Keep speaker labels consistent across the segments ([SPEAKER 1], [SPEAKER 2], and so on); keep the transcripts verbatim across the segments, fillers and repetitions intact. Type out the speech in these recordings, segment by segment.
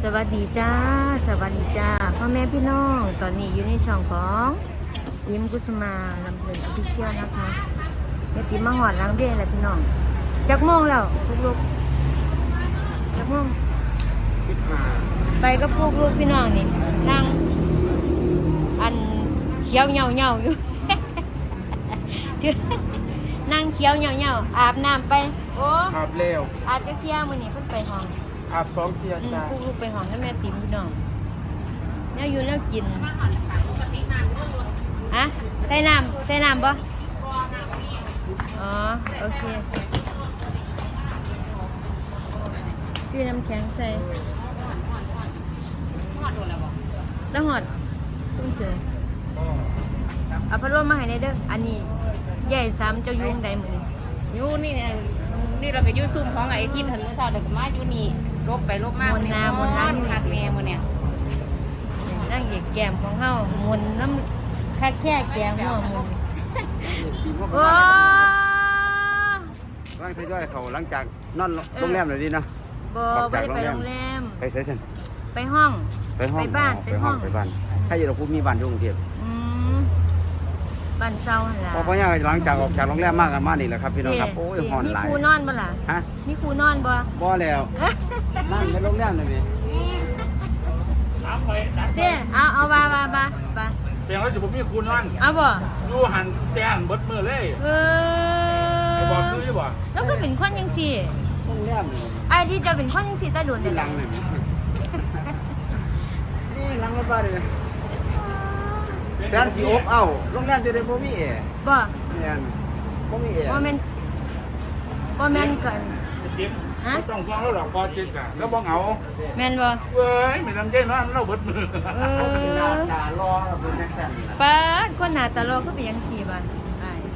[SPEAKER 1] วัสดีจ้าสวัสดีจ้าพ่อแม่พี่น้องตอนนี้อยู่ในช่องของยิ้มกุสมาลำเพลินออฟฟิเชียลนะคะแม่ติ๋มมาหอดล้างเบี้ยแล้วพี่น้องจักโมงแล้วพวกลูกจักโมงสิบห้าไปกับพวกลูกพี่น้องนี่นั่งอันเขียวเหงาเหงาอยู่ นั่งเขียวเหงาเหงาอาบน้ำไปโอ้
[SPEAKER 2] อาบเร็ว
[SPEAKER 1] อาบจะเที่ยวมื้อนี้เพิ่นไปห้อง
[SPEAKER 2] อาบสองเที่ยวจ้า
[SPEAKER 1] พวกลูกไปห้องกับแม่ติ๋มพี่น้องเนี่ยอยู่แล้วกินฮะใส่น้ำใส่น้ำบ่อ๋อโอเคซื้อน้ำแข็งใส่แล้วหอดเพิ่งเจอเอาพัดลมมาให้ในเด้ออันนี้ใหญ่ซ้ำเจ้ายุ่งใดมือ
[SPEAKER 3] อยู่นี่เนี่ยนี่เราไปอยู่ซุ่มของไอ้ที่ถนนสาวเด็กมาอยู่นี่ลบไปลบมาก
[SPEAKER 1] มนน้ำมนน้ำ
[SPEAKER 3] คักแม่มือเนี่ย
[SPEAKER 1] นั่งเหยียดแก้มของเฮามนน้ำคักแค่แก้มหัวมนโอ้
[SPEAKER 2] ร่างทยอยเขาหลังจากนอนโรงแรมเลยดีนะ
[SPEAKER 1] บ่ไม่ได้ไปโรงแรม
[SPEAKER 2] ไปเซสชั่น
[SPEAKER 1] ไปห้อง
[SPEAKER 2] ไปห้อง
[SPEAKER 1] ไปบ้าน
[SPEAKER 2] ไปห้องไปบ้านถ้าอยู่เราพูดมีบ้านอยู่กรุงเทพ
[SPEAKER 1] บ้านเศร้าหล่ะ
[SPEAKER 2] เพราะเนี่ยหลังจากออกจากโรงแรมมากกันมานี่แหละครับพี่น้องครับโอ้ยหอนหลาย
[SPEAKER 1] มีครูนอนบ่ล่ะ
[SPEAKER 2] ฮะ
[SPEAKER 1] มีครูนอนบ่
[SPEAKER 2] บ่แล้วนั่งในโรงแรมเลย
[SPEAKER 1] เด้เอาเอาบาบาบาบา
[SPEAKER 4] เพียงแล้วจะผมมีคูนอน
[SPEAKER 1] เอาบ่
[SPEAKER 4] อยู่หันแจ้งเบิดมือเลย
[SPEAKER 1] เอ
[SPEAKER 4] อบอกคือยี่บ่
[SPEAKER 1] แล้วก็เป็นคนยังสี่
[SPEAKER 2] โรงแรม
[SPEAKER 1] ไอ้ที่จะเป็นคนยังสี่ตาโดน
[SPEAKER 2] ที่หลังเลยนี่หลังรถบ้านเลยแสนสีอบเอ้าโรงแรมจะได้บ่มีแอร์
[SPEAKER 1] บ่
[SPEAKER 2] แม่นบ่มีแอร์
[SPEAKER 1] บ่แม่นบ่แม่นกัน
[SPEAKER 4] จิ๊บฮะต้องฟังแล้วหรอกพอจิ๊บอ่ะแล้วบ่เหงา
[SPEAKER 1] แม่นบ่
[SPEAKER 4] เว้ยไม่นำใจนอนเราเบิดมือ
[SPEAKER 1] เออ
[SPEAKER 2] หน้าตารอเป็นจังซั่น
[SPEAKER 1] ป๊าดคนหน้าตารอคือเป็นจังซี่บ่อ้าย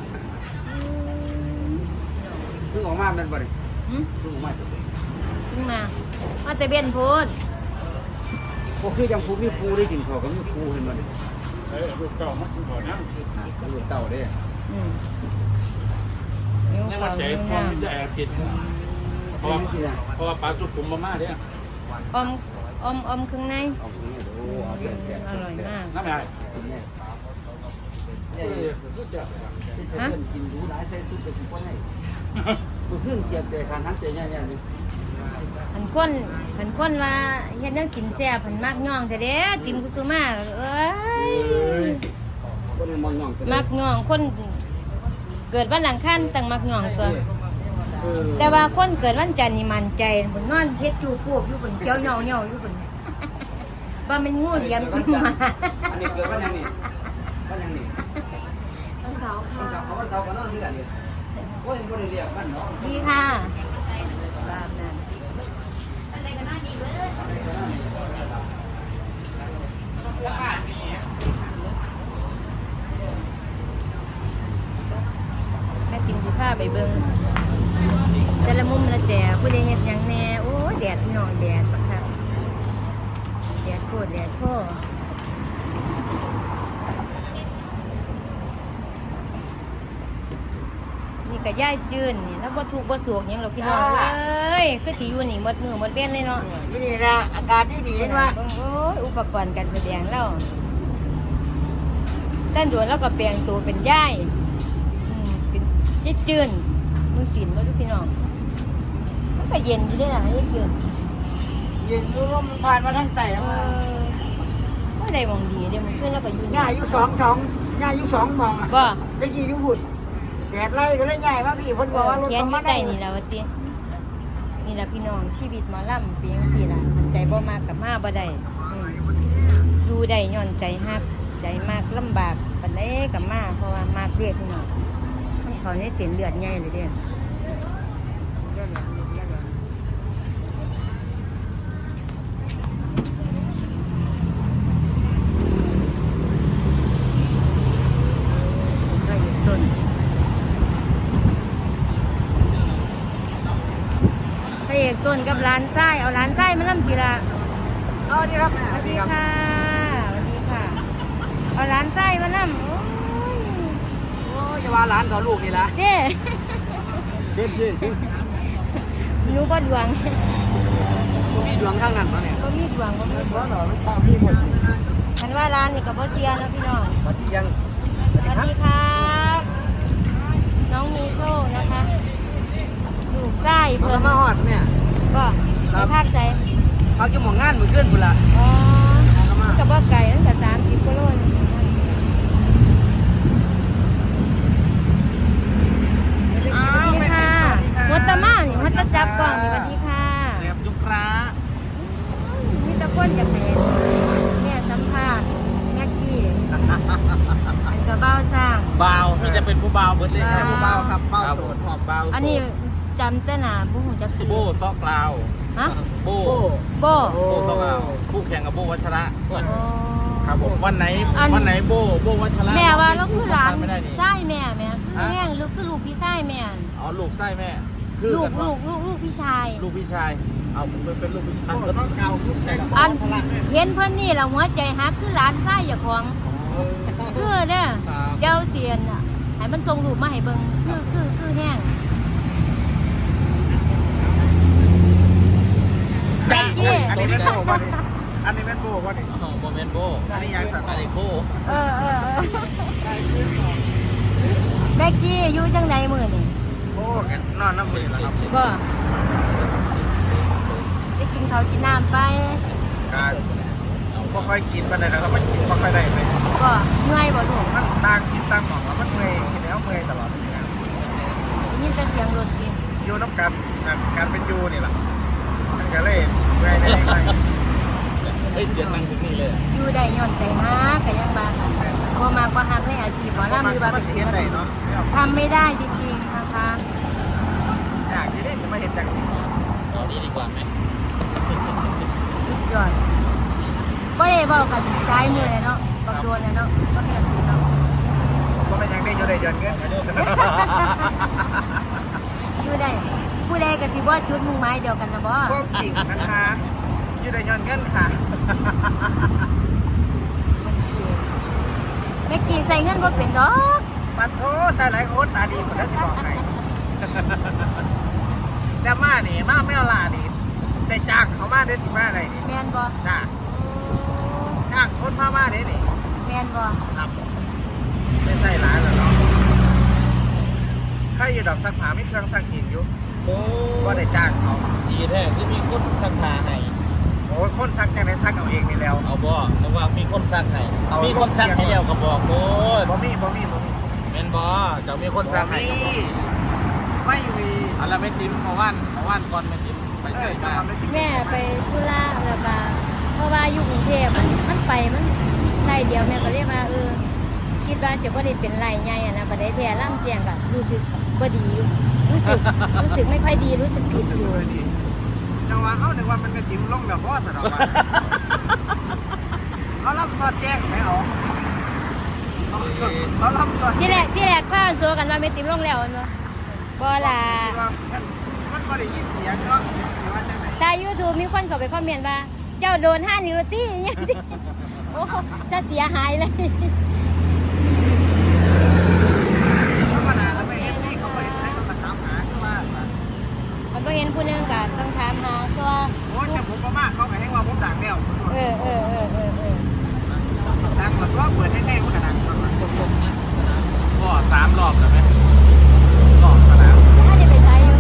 [SPEAKER 2] เพิ่งออกมาแม่นบ่นี่
[SPEAKER 1] หึ
[SPEAKER 2] เพิ่งออกมา
[SPEAKER 1] เพิ่งมามาแต่เบียนพูด
[SPEAKER 2] บ่คือจังผู้มีครูได้กินข้าวก็มีครูเห็นบ่นี่
[SPEAKER 4] เอ้ยลูกเต่ามันก่อนนะ
[SPEAKER 2] ลูกเต่าเด้
[SPEAKER 1] อืม
[SPEAKER 4] นี่มันใจพร้อมจะแอบกินเพราะเพราะว่าปลาจุกผมมาม่าเนี่ย
[SPEAKER 1] อมอมอมข้างใน
[SPEAKER 2] อมข้างในโอ้เอาเสียบ
[SPEAKER 1] อร่อยมาก
[SPEAKER 4] น้ำใหญ่
[SPEAKER 2] กินเนี่ยเอ้ยสุดยอดฮะกินรู้หลายใส่สุดจะสิบ่ได้บ่ขึ้นเกียบใจคันทั้งใจใหญ่ๆนี่
[SPEAKER 1] หันคนหันคนว่าเฮ็ดแนวกินแซ่บเพิ่นมักย่องแท้เด้ติมกุสุมาเอ้ย
[SPEAKER 2] คนมักย่อง
[SPEAKER 1] มักย่องคนเกิดวันอังคารตั้งมักย่องตัวแต่ว่าคนเกิดวันจันทร์นี่มั่นใจเพิ่นนอนเฮ็ดจูพวกอยู่เพิ่นเจียวเหย่าๆอยู่เพิ่นว่ามันงูเหลี่ยมขึ้นมา
[SPEAKER 2] อันนี้เกิดวันยังนี่วันยังนี่
[SPEAKER 1] วันเสาร์ค่ะ
[SPEAKER 2] วันเสาร์ก็นอนเรือนนี่โอ้ยบ่ได้เรียกมันเนาะ
[SPEAKER 1] ดีค่ะตามนั้นแม่กินสิผ้าไปเบิ่งแต่ละมุมละแจผู้ใดเฮ็ดหยังแน่โอ้แดดพี่น้องแดดบักคักแดดโคตรแดดโคตรนี่ก็ย่ายจืนนี่แล้วบ่ถูกบ่สวกหยังหรอกพี่น้องเอ้ยคือสิอยู่นี่หมดมือหมดเว้นเลยเนาะ
[SPEAKER 3] นี่แหละอากาศดีๆเห็นว่า
[SPEAKER 1] โอ้ยอุปกรณ์การแสดงแล้วด้านด่วนแล้วก็แปลงตัวเป็นย่ายเป็นย่ายจืนมือศีลบ่ทุกพี่น้องมันก็เย็นอยู่ได้ล่ะย่ายจืน
[SPEAKER 3] เย็นลมผ่านมาทั้งแต่
[SPEAKER 1] เออบ่ได้มองดีเดี๋ยวมันขึ้นแล้วก็อยู่
[SPEAKER 3] ง่ายอยู่สองสองง่ายอยู่สองมอง
[SPEAKER 1] บ่
[SPEAKER 3] ได้กี่อยู่หุ่นแดดไล่ก็เลยง่ายว่าพี่เพิ่นบอกว่ารถ
[SPEAKER 1] เข้ามาได้นี่ล่ะว่าตินี่ล่ะพี่น้องชีวิตหมอลำเป็นจังซี่ล่ะใจบ่มากกับมาบ่ได้ดูได้ย้อนใจฮักใจมากลำบากปานใดกับมาเพราะว่ามากเรียกพี่น้องมันเขาในเส้นเลือดใหญ่เลยเด้ต้นพระเอกต้นกับร้านไส้เอาร้านไส้มาล่ำกีฬา
[SPEAKER 3] อ๋อดีครับ
[SPEAKER 1] สวัสดีค่ะสวัสดีค่ะเอาร้านไส้มาล่ำโอ้ย
[SPEAKER 3] โอ้ยจะว่าร้านต่อลูกนี่ละ
[SPEAKER 1] เด้
[SPEAKER 2] เด้เด้
[SPEAKER 1] หนูบ่ดวง
[SPEAKER 3] มี
[SPEAKER 2] ดวงข้างนั้นมาเนี่ย
[SPEAKER 1] บ่มีดวงบ่มีดว
[SPEAKER 2] ว่าง เราไม่ตามพี่หมด
[SPEAKER 1] คันว่าร้านนี่ก็บ่เสียเนาะพี่น้อง
[SPEAKER 2] วันที่ยัง
[SPEAKER 1] สวัสดีครับน้องมีโชคนะคะอยู่ใกล้
[SPEAKER 2] เพิ่
[SPEAKER 1] เพิ่
[SPEAKER 2] น
[SPEAKER 1] น
[SPEAKER 2] มาฮอดเนี่ย
[SPEAKER 1] ก็ไปภาคใจ
[SPEAKER 2] พักอยู่หม่องงานมื้อคืนพุ่นล่ะ
[SPEAKER 1] อ๋อมันก็บ่ไกลตั้งแต่สามสิบกิโลนี่สวัสดีค่ะวัตตะมานี่วัตตะจับกล้องนี่สวัสดีค่ะ
[SPEAKER 2] เรียบจุกร้า
[SPEAKER 1] มีแตะก้นจากแม่แม่สัมภาษณ์แม่กี้อันก็เบ้าสร้าง
[SPEAKER 2] เบามีแต่เป็นผู้เบาเบิดเลยแค่ผู้เบาครับเบาโสดหอบเบา
[SPEAKER 1] อันนี้จำแต่หนาผู้หูจัก
[SPEAKER 2] โบซอกลาว
[SPEAKER 1] ฮะ
[SPEAKER 2] โบ
[SPEAKER 1] โบ
[SPEAKER 2] โบซอกลาวคู่แข่งกับโบวัชระ
[SPEAKER 1] โอ้
[SPEAKER 2] ครับผมวันไหนวันไหนโบโบวัชระ
[SPEAKER 1] แม่ว่าเราคือหลาน
[SPEAKER 2] ไม่ได้นี่
[SPEAKER 1] ไส้แม่แม่คือแม่งลูกคือลูกพี่ไส้แม่
[SPEAKER 2] อ๋อลูกไส้แม่
[SPEAKER 1] ลูกลูกลูกลูกพี่ชาย
[SPEAKER 2] ลูกพี่ชาย เอาผมเป็นลูกพี่ชายก็ต้องเก่าลูกชาย
[SPEAKER 1] อันเห็นเพิ่นนี่ละหัวใจฮักคือหลานไส้อย่าของคือเด้อเดี๋ยวเสียนอ่ะให้มันส่งรูปมาให้เบิ่งคือคือคือแห้งแจ็คกี้
[SPEAKER 2] อันนี้เป็นโบว่าดิอันนี้เป็นโบว่าดิ
[SPEAKER 4] อ๋อโมเมนโบ
[SPEAKER 2] อันนี้ยังสัตว์
[SPEAKER 4] อันนี้โบ
[SPEAKER 1] เออเออเออแบ็กกี้อยู่จังใดมื้อนี่
[SPEAKER 2] โบกันนอนน้ำมือแล้วครับ
[SPEAKER 1] บ่ได้กินข้าวกินน้ำไป
[SPEAKER 2] การบ่ค่อยกินปานใดนะครับมันกินบ่ค่อยได้ไป
[SPEAKER 1] บ่เมื่อยบ่ลูก
[SPEAKER 2] มันต่างกินต่างหมองแล้วมันเมื่อยกินแล้วเมื่อยตลอดเลยนะ
[SPEAKER 1] ได้ยินแต่เสียงรถกิน
[SPEAKER 2] อยู่น้ำกันแบบการเป็นยูนี่แหละมันก็เลยเมื่อยในใจ
[SPEAKER 4] เฮ้ยเสียงดังถึงนี่เลย
[SPEAKER 1] อยู่ได้ย้อนใจฮักก็ยังบาบ่มากบ่ฮักในอาชีพหมอลำหรือว่าเป็น
[SPEAKER 2] เสี
[SPEAKER 1] ศิ
[SPEAKER 2] ย
[SPEAKER 1] ล
[SPEAKER 2] ใจ
[SPEAKER 1] ปิน
[SPEAKER 2] เนาะ
[SPEAKER 1] ทำไม่ได้จริงๆนะคะ
[SPEAKER 2] อยากจะได้สมาเห็นจังสิ
[SPEAKER 4] เอานี่ดีกว่าไหม
[SPEAKER 1] สุดยอดบ่ได้เว้ากันหลายมื้อแล้วเนาะบักโดนแล้วเนาะบ่แม่นเนาะ
[SPEAKER 2] ก็ไม่ยังได้อยู่ได้ยนเงิน
[SPEAKER 1] อยู่ได้ผู้ใดก็สิบ่จุดมุ่งหมายเดียวกันนะบ่
[SPEAKER 2] พวกจริงนะคะอยู่ได้ยนเงินค่ะ
[SPEAKER 1] แม่กี้ใส่เงินบ่เป็นดอก
[SPEAKER 2] ปัดโทใส่หลายคนตาดีคนนั้นบอกให้แต่มานี่มาไม่เอาลานี่ได้จ้างเขามาได้สิมาได้นี่
[SPEAKER 1] แม่นบ่
[SPEAKER 2] จ้าจ้างคนพามาได้นี่
[SPEAKER 1] แม่นบ่
[SPEAKER 2] ครับไม่ใช่ร้านแล้วเนาะใครอยู่ดอกสักผาไม่เครื่องสักอีกอยู่
[SPEAKER 4] โอ้
[SPEAKER 2] ก็ได้จ้างเขา
[SPEAKER 4] ดีแท้ที่มีคนสักขาให้
[SPEAKER 2] โอ้ยคนซักจังไดซักเอาเองนี่แล้ว
[SPEAKER 4] เอาบ่เพราะว่ามีคนสักให้
[SPEAKER 2] เอามี
[SPEAKER 4] มีคนสักให้แล้วก็บอกโอ้ย
[SPEAKER 2] บ่มีบ่มีบ่มี
[SPEAKER 4] แม่นบ่เจ้ามีคนสักให้ก็บอก
[SPEAKER 2] ไม่มี
[SPEAKER 4] อันละแม่ติ๋มมาว่านมาว่านก่อนแม่ติ๋มไป
[SPEAKER 2] เอ
[SPEAKER 4] ใส่
[SPEAKER 2] อ
[SPEAKER 4] มา
[SPEAKER 2] ทำได้จริง
[SPEAKER 1] แม่ไปธุระแล้วก็เพราะว่าอยู่กรุงเทพมันมันไปมันไล่เดียวแม่ก็เลยว่าเออคิดว่าสิบ่ได้เป็นไรใหญ่อะนะบ่ได้แท้ล่ำแจ้งก็รู้สึกบ่ดีอยู่รู้สึกรู้สึกไม่ค่อยดีรู้สึกผิดอยู่
[SPEAKER 2] เลยดีจังหวะเอาหนึ่งวันมันก็จิ้มลงแบบว่าสนองวันเอารับสอดแจ้งไหมเอาเอาเอารับสอด
[SPEAKER 1] ที่แรกที่แรกพากันโซกันว่าแม่ติ๋มลงแล้วแม่นบ่บ่ล่ะ
[SPEAKER 2] มันบ่ได้ยินเสียงเนาะแต่ว่าจังไหน
[SPEAKER 1] แต่ YouTube มีคนเข้าไปคอมเมนต์ว่าเจ้าโดนห้านิวตี้อย่างเงี้ยสิโอ้จะเสียหายเลย
[SPEAKER 2] ธรรมดาแล้วไม่เห็นที่เขาไปให้เขามาถามหาคือว่า
[SPEAKER 1] มันบ่เห็นผู้หนึงก็ต้องถามหาตัว
[SPEAKER 2] โอ้ยแต่ผมประมาทเขาก็ให้ว่าผมดังแล้ว
[SPEAKER 1] เออเออเออเออเออ
[SPEAKER 2] ดังแบบว่าเปิดให้แน่มันก็ดังมาก
[SPEAKER 4] ก็สามรอบแล้วไหมรอบสนาม
[SPEAKER 1] ถ้าจะไปใช้อยู่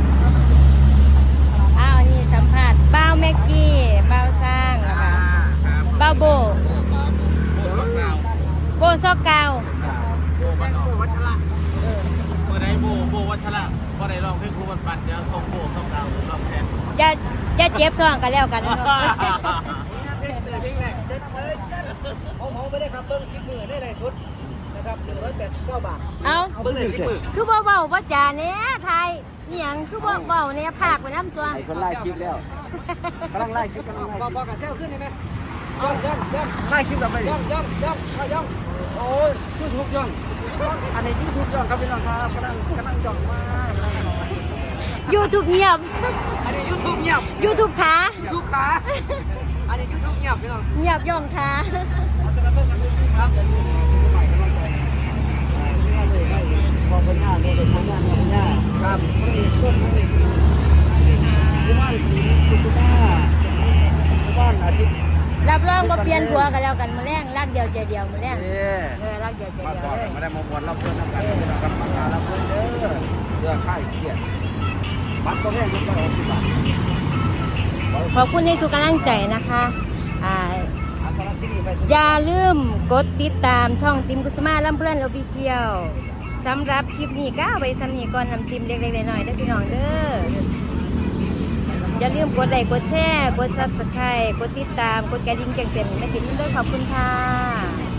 [SPEAKER 1] อ้าวนี่สัมภาษณ์บ้าวแม็กกี้บ้าวสร้างแล้วก็บ้าวโบ
[SPEAKER 4] โบบักนาว
[SPEAKER 1] โบซอกกาว
[SPEAKER 4] โบบักนาว
[SPEAKER 2] วัชระ
[SPEAKER 1] เออ
[SPEAKER 4] เมื่อใดโบโบวัชระพอได้ลองเพลงครูบันปัดเดี๋ยวส่งโบเข้าดาวลองแทน
[SPEAKER 1] อย่าอย่าเจ็บท้องกันแล้วกันเนาะ
[SPEAKER 2] เพลงเตยเพลงแรกเจ็ดเลยของผมไม่ได้ครับเบิ้งสิบมือได้เลยชุดนะครับหนึ่งร้อยแปดสิบเก้าบาท
[SPEAKER 1] เอา
[SPEAKER 2] เบิ้งเลยสิบมือ
[SPEAKER 1] คือบ่เว้าบ่จาแหน่ไทยอีหยังคือบ่เว้าแหน่ภาคไปนำตัว
[SPEAKER 2] ไอ้คนไล่คลิปแล้วกำลังไล่คลิปกำลังไล่บอกกับเซลขึ้นได้ไหมย่องย่องย่องไล่คลิปกับไปย่องย่องย่องย่องโอ้ยยูทูบย่องอันนี้ยูทูบย่องครับพี่น้องครับกำลังกำลังย่องมาก
[SPEAKER 1] YouTube เงียบ
[SPEAKER 2] อันนี้ยูทูบเงียบ
[SPEAKER 1] YouTube ขา
[SPEAKER 2] ยูทูบขาอันนี้ยูทูบเงียบพี่น้อง
[SPEAKER 1] เงียบย่องขา
[SPEAKER 2] เราจะมาเบิ่งกันดูครับเดี๋ยวดูใหม่กำลังใจไม่เลยไม่พอเป็นหน้าเลยเป็นหน้าเป็นหน้าครับมันมีต้นมันมีกุมารสีกุมาร
[SPEAKER 1] รับรองว่าเปลี่ยนผัวกันแล้วกันมือแรงรักเดียวใจเดียวมือแรง
[SPEAKER 2] เอ้ย
[SPEAKER 1] เออรักเดียวใจ
[SPEAKER 2] มา
[SPEAKER 1] เดียว
[SPEAKER 2] ก่อน
[SPEAKER 1] เลย
[SPEAKER 2] มาได้มาบวชรับเพื่อนน้ำกันพี่น้องครับมาการรับเพื่อนเด้อเรื่องค่ายเครียดบัตรตัวแรกยกไปออกที่บ้าน
[SPEAKER 1] ขอบคุณในทุกกำลังใจนะคะอ่า
[SPEAKER 2] อาสาที่นี่ไป
[SPEAKER 1] อย่าลืมกดติดตามช่องติมกุสมาลำเพื่อนออฟฟิเชียลสำหรับคลิปนี้ก็เอาไว้สำนีก่อนน้ำจิ้มเล็กๆน้อยๆเด้อพี่น้องเด้ออย่าลืมกดไลค์กดแชร์กดซับสไครต์กดติดตามกดกระดิ่งแจ้งเตือนแม่ติ๋มด้วยขอบคุณค่ะ